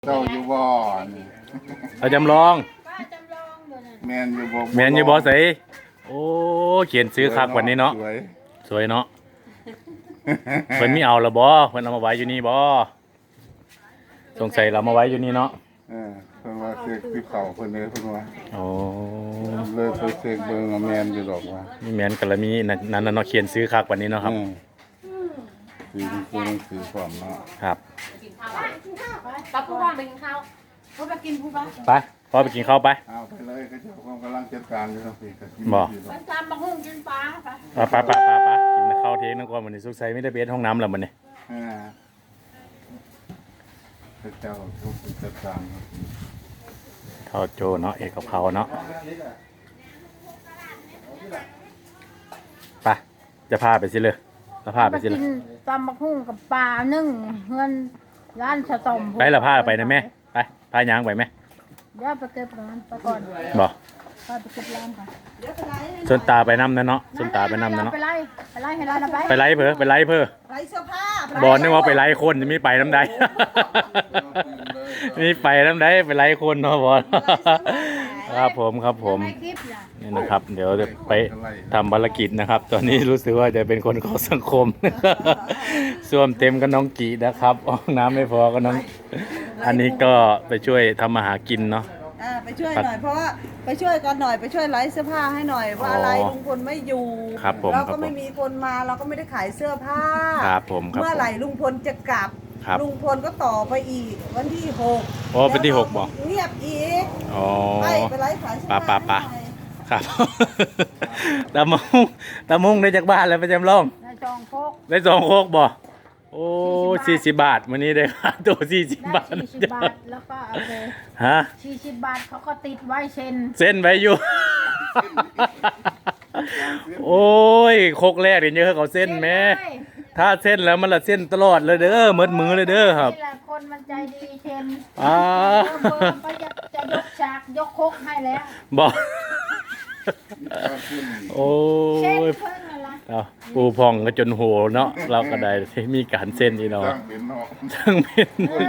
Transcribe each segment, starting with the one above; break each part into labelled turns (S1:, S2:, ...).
S1: เจ้าอยู่บ่นี่
S2: เราจำลอง
S1: แมนอยู่บ่
S2: แมนอยู่บ่ใส่โอ้เขียนซื้อคักวันนี้เนาะสวยเนาะเพิ่นมีเอาละบ่เพิ่นเอามาไว้อยู่นี่บ่สงสัยเรามาไว้อยู่นี่เนาะ
S1: เพิ่นว่าเสกที่เขาเพิ่นเลยเพิ่นว่า
S2: โอ้
S1: เลยไปเสกเบิ่งแมนอยู่ดอกว่า
S2: มีแมนก็ละมีนั่นเนาะเขียนซื้อคักวันนี้เนาะครับ
S1: ซื้อความเนาะ
S2: ครับ
S3: ป้าผู้ว่างไปกินข้าวเขาไปกินผู้บ้า
S2: ไปพอไปกินข้าวไป
S1: เอาไปเลยก็เจ้าของกำลังจัดการอยู่ทั้งปีก็กิน
S3: ไปตามมาหุ้งกินปลาไป
S2: กินข้าวเทงนั่นก่อนวันนี้สุกใส่ไม่ได้เบสห้องน้ำแล้วมันนี่
S1: เจ้าทุกจัดการ
S2: ข้าวโจเนาะเอกกับเขาเนาะไปจะพาไปสิเลยแล้วพาไปสิเลย
S3: ตามมาหุ้งกับปลานึ่งเงินร้านสะสม
S2: ไปละพาไปนะแม่ไปพายางไปไหม
S3: เดี๋ยวไปเก็บร้านไปก่อน
S2: บ่
S3: ไปเก็บร้านก่อน
S2: ส่วนตาไปน้ำนะเนาะส่วนตาไปน้ำนะเนาะ
S3: ไปไล่ให้ร้านไป
S2: ไปไล่เพื่อไปไล่เพื่อ
S3: ไล่เสื้อผ้า
S2: บอลนึกว่าไปไล่คนจะไม่ไปน้ำใดนี่ไปน้ำใดไปไล่คนเนาะบอลครับผมนี่นะครับเดี๋ยวจะไปทำภารกิจนะครับตอนนี้รู้สึกว่าจะเป็นคนของสังคมส่วมเต็มกับน้องกีนะครับห้องน้ำไม่พอก็น้องอันนี้ก็ไปช่วยทำอาหารกินเนาะ
S4: ไปช่วยหน่อยเพราะว่าไปช่วยกันหน่อยไปช่วยไลฟ์เสื้อผ้าให้หน่อยว่าอะไรลุงพลไม่อยู่เราก็ไม่มีคนมาเราก็ไม่ได้ขายเสื้อผ้า
S2: ครับผม
S4: เมื่อไหร่ลุงพลจะกลับลุงพลก็ต่อไปอีกวันที่6
S2: โอ้เป็นที่6บอก
S4: เงียบอีก
S2: อ๋อ
S4: ไปไลฟ์ขายเสื้อผ้า
S2: ปะครับตามุงได้จากบ้านแล้วไปจำลองได้2 โคกบ่โอ้40 บาทวันนี้ได้ค่าตัว40 บาท
S3: 40 บาทแล้วก็เอาไป
S2: ฮะ
S3: 40 บาทเขาก็ติดไว้เ
S2: ส้นไว้อยู่โอ้ยโคกแรกเดี๋ยวเขาเส้นแม่ถ้าเส้นแล้วมันละเส้นตลอดเลยเด้อมืดมือเลยเด้อครับ
S3: คนมันใจดีเช่นจะยกฉากยกโคกให้แล้ว
S2: บอกโอ้ยปูพองก็จนโหเนาะเราก็ได้มีการเส้นอีเนาะทั้งเป็น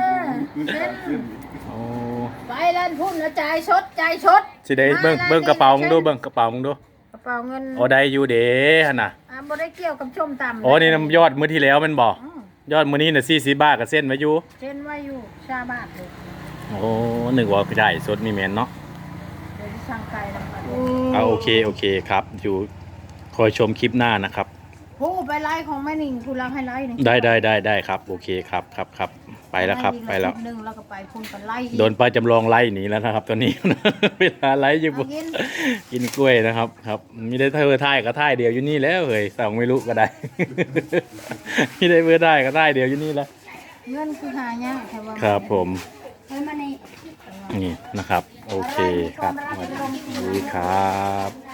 S3: ไปเล่นพุ่นแล้วใจชด
S2: สิได้เบิ่งกระเป๋ามึงดูเบิ่งกระเป๋ามึงดู
S3: กระเป๋าเงิน
S2: โอ้ได้อยู่เด้หั่นน่ะ
S3: บ่ได้เกี่ยวกับชมตำ
S2: อ๋อนี่ยอดมื้อที่แล้วมันบอกยอดมื้อนี้น่ะ40 บาทก็เส้นไว้อยู่
S3: ชาบาทเลย
S2: โอ้นึกว่าได้สดนี่แม่นเนาะ
S3: เดี๋ยวสั่งไก่
S2: แล้วโอเคครับอยู่คอยชมคลิปหน้านะครับ
S3: ผู้ไปไล่ของแม่นิ่งคุณรังให้ไล่นี่
S2: ได้ครับโอเคครับไปแล้วครับไปแล้ว
S3: นึงแล้วก็ไปพุ่งกันไล่
S2: โดนป้าจำลองไล่หนีแล้วนะครับตอนนี้เวลาไล่อยู่กินกล้วยนะครับมีได้ท่ายก็ท่ายเดียวอยู่นี่แล้วเฮ้ยสั่งไม่รู้ก็ได้มีได้ท่ายก็ท่ายเดียวอยู่นี่แล้ว
S3: เงินคือหายาก
S2: ครับผมนี่นะครับโอเคครับสวัสดีครับ